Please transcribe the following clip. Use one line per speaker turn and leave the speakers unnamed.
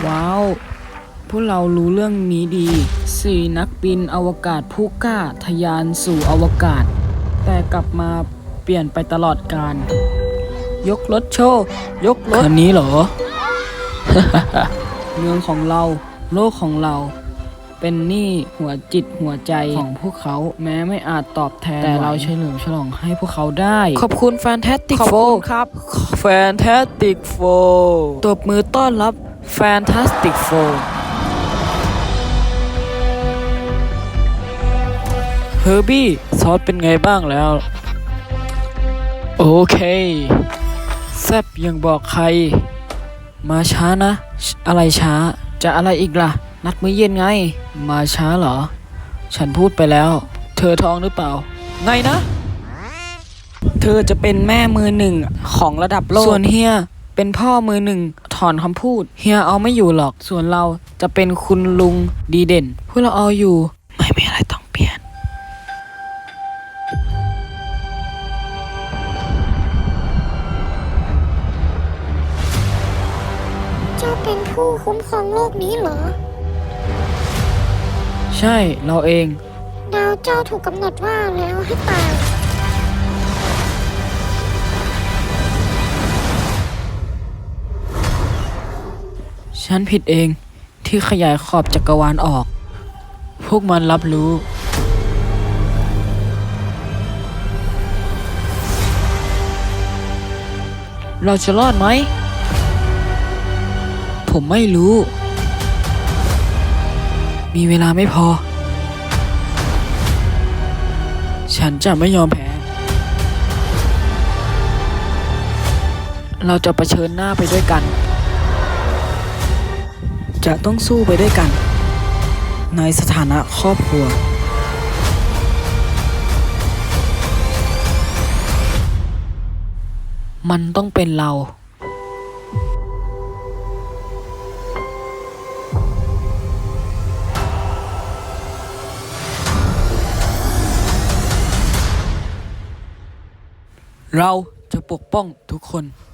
ว้าวพวกเรารู้เรื่องนี้ดี4นักบินอวกาศผู้กล้าทะยานสู่อวกาศแต่กลับมาเปลี่ยนไปตลอดกาลยกรถโชว์ยกรถคันนี้เหรอ เมืองของเราโลกของเราเป็นหนี้หัวจิตหัวใจของพวกเขาแม้ไม่อาจตอบแทนแต่เราเฉลิมฉลองให้พวกเขาได้ขอบคุณ Fantastic
ขอบ
Four
คุณครับ
Fantastic Four ตบมือต้อนรับ Fantastic Four เฮอร์บี้ซอสเป็นไงบ้างแล้วโอเคแซบยังบอกใครมาช้านะอะไรช้าจะอะไรอีกล่ะนัดมื้อเย็นไงมาช้าเหรอฉันพูดไปแล้วเธอท้องหรือเปล่าไงนะเธอจะเป็นแม่มือหนึ่งของระดับโลกส่วนเฮียเป็นพ่อมือหนึ่งถอนคำพูดเฮียเอาไม่อยู่หรอกส่วนเราจะเป็นคุณลุงดีเด่นพวกเราเอาอยู่ไม่มีอะไรต้องเปลี่ยน
เจ้าเป็นผู้คุ้มครองโลกนี้เหรอ
ใช่เราเอง
ดาวเจ้าถูกกำหนดว่าแล้วให้ตาย
ฉันผิดเองที่ขยายขอบจักรวาลออก พวกมันรับรู้ เราจะรอดไหม ผมไม่รู้ มีเวลาไม่พอ ฉันจะไม่ยอมแพ้ เราจะเผชิญหน้าไปด้วยกัน จะต้องสู้ไปด้วยกัน ในสถานะครอบครัว มันต้องเป็นเรา เราจะปกป้องทุกคน